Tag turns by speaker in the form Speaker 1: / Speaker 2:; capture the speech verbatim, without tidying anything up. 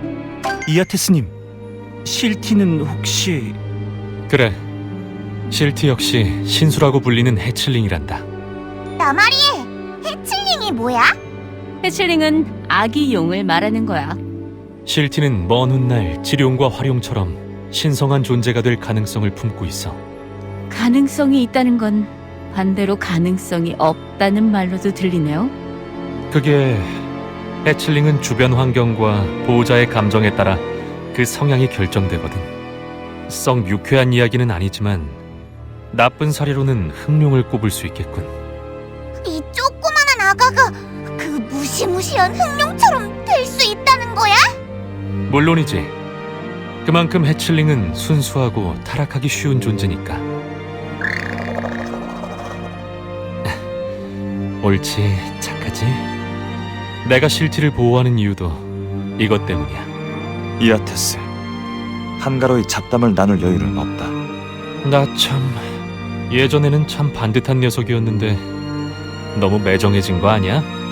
Speaker 1: 이아테스님, 실티는 혹시...
Speaker 2: 그래, 실티 역시 신수라고 불리는 해칠링이란다.
Speaker 3: 나마리, 해칠링이 뭐야?
Speaker 4: 해칠링은 아기 용을 말하는 거야.
Speaker 2: 실티는 먼 훗날 지룡과 화룡처럼 신성한 존재가 될 가능성을 품고 있어.
Speaker 4: 가능성이 있다는 건 반대로 가능성이 없다는 말로도 들리네요.
Speaker 2: 그게 해칠링은 주변 환경과 보호자의 감정에 따라 그 성향이 결정되거든. 썩 유쾌한 이야기는 아니지만 나쁜 사례로는 흑룡을 꼽을 수 있겠군.
Speaker 3: 이 조그만한 아가가 그 무시무시한 흑룡처럼 될 수 있다는 거야?
Speaker 2: 물론이지. 그만큼 해칠링은 순수하고 타락하기 쉬운 존재니까. 옳지, 착하지? 내가 실티를 보호하는 이유도 이것 때문이야.
Speaker 5: 이아테스, 한가로이 잡담을 나눌 여유는 없다.
Speaker 2: 나 참... 예전에는 참 반듯한 녀석이었는데 너무 매정해진 거 아니야?